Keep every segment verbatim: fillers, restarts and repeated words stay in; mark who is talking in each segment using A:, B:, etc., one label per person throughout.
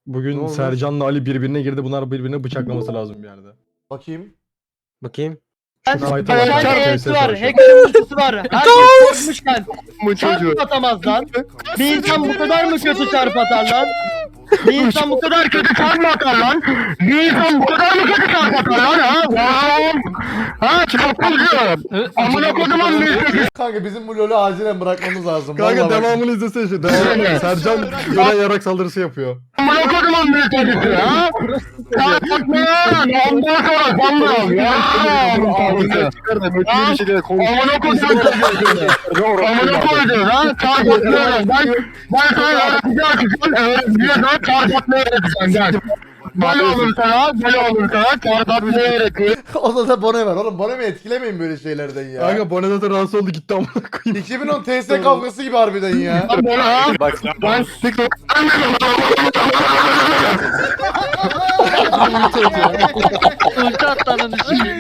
A: Bugün Sercan'la Ali birbirine girdi. Bunlar birbirine bıçaklaması lazım bir yerde.
B: Bakayım.
C: Bakayım.
A: Şu fight'a bak.
D: Hacker'ın
A: kanka,
D: E'si
A: T S
D: var,
A: savaşı.
D: hacker'ın ultisi var. Herkes korkmuşken
C: Bu çocuğu.
D: çarp atamaz lan. Bir insan bu kadar mı kötü çarp atar lan? Bir insan bu kadar kötü çarp mı atar lan? Bir insan bu kadar mı kötü çarp atar lan ha? Lan! Ha çarpılıyor. Amına kodumun bir kötü.
B: Kanka bizim bu LoL'ü acilen bırakmamız lazım.
A: Kanka
B: Vallahi bak-
A: devamını izlesene şu. Devamını. Sercan gören yarak saldırısı yapıyor.
D: Amına kodumun bir kötüsü ha? Çarp atma lan! Ondan sonra sandım ya!
C: Ağzından çıkar da böyle bir şeyler konuş.
D: Amına kodumun kötüsü. Amına koydun ha? Çarp atma. Ben, ben sana öğretici açacağım. Öğretici sana çarp atmayı öğreteceğim. Gel. Böyle olur sana, böyle olur sana çarp atmayı öğretiyor.
B: Odada da Bone var oğlum. Bone'mi etkilemeyin böyle şeylerden ya.
A: Kanka Bone zaten rahatsız oldu gitti amına koyayım.
B: iki bin on T S kavgası gibi harbiden ya.
D: Lan böyle ha?
C: Bak
D: Ben ulti atlanın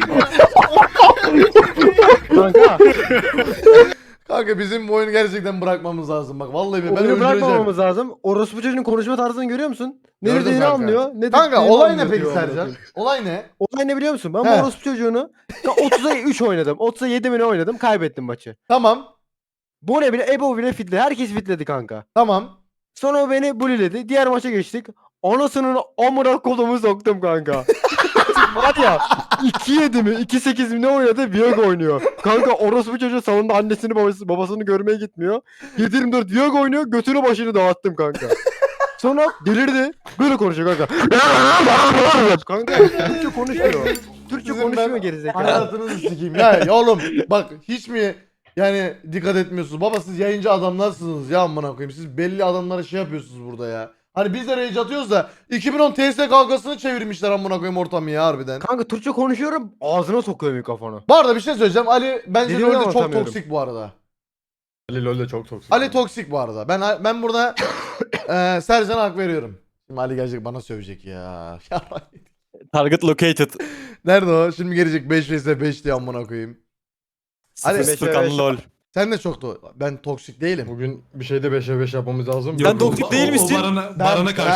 C: kanka.
B: Kanka bizim bu oyunu gerçekten bırakmamız lazım. Bak vallahi ben
C: Oyunu
B: öldüreceğim.
C: bırakmamamız lazım. Orospu çocuğun konuşma tarzını görüyor musun? Ne
B: Gördüm
C: dediğini
B: kanka.
C: anlıyor. Ne
B: Kanka
C: dediğini
B: olay ne
C: anlıyor
B: peki
C: diyor amına
B: Sercan?
C: koyayım.
B: Olay ne?
C: Olay ne biliyor musun? Ben
B: He.
C: bu orospu çocuğunu otuza üç oynadım. otuza yedi mi ne oynadım? Kaybettim maçı.
B: Tamam.
C: Bu ne bile Ebo bile fitledi. Herkes fitledi kanka.
B: Tamam.
C: Sonra o beni bulliledi. Diğer maça geçtik. Anasının amına kolumu soktum kanka. Var ya iki yedi mi iki sekiz mi ne oynadı Viego oynuyor. Kanka orospu çocuğu salonda annesini babası, babasını görmeye gitmiyor. yedi yirmi dört Viego oynuyor götünü başını dağıttım kanka. Sonra delirdi. Böyle konuşuyor kanka. Kanka Türkçe konuşmuyor. Türkçe
B: Sizin
C: konuşmuyor
B: ben
C: gerizekalı.
B: hayatınızı sikeyim. Ya, ya oğlum bak hiç mi yani dikkat etmiyorsunuz? Baba siz yayıncı adamlarsınız ya amına koyayım. Siz belli adamlara şey yapıyorsunuz burada ya. Hani biz de rage atıyoruz da iki bin on T S kavgasını çevirmişler amına koyayım ortamı ya harbiden.
C: Kanka Türkçe konuşuyorum ağzına sokuyor mikrofonu.
B: Bu arada bir şey söyleyeceğim. Ali bence
C: Dediğimi
B: LoL'de çok
C: anlatamıyorum.
B: toksik bu arada.
A: Ali LoL'de çok toksik.
B: Ali toksik bu arada. Ben ben burada eee Sercan'a hak veriyorum. Şimdi Ali gelecek bana sövecek ya.
E: Target located.
B: Nerede o? Şimdi gelecek beş vs beş diye amına koyayım. Hadi.
E: Sıfır sıfır kan lol.
B: Sen de çok to ben toksik değilim.
A: Bugün bir şeyde beşe beş yapmamız lazım.
E: Sen toksik değil misin?
F: O, o barana, barana karşı.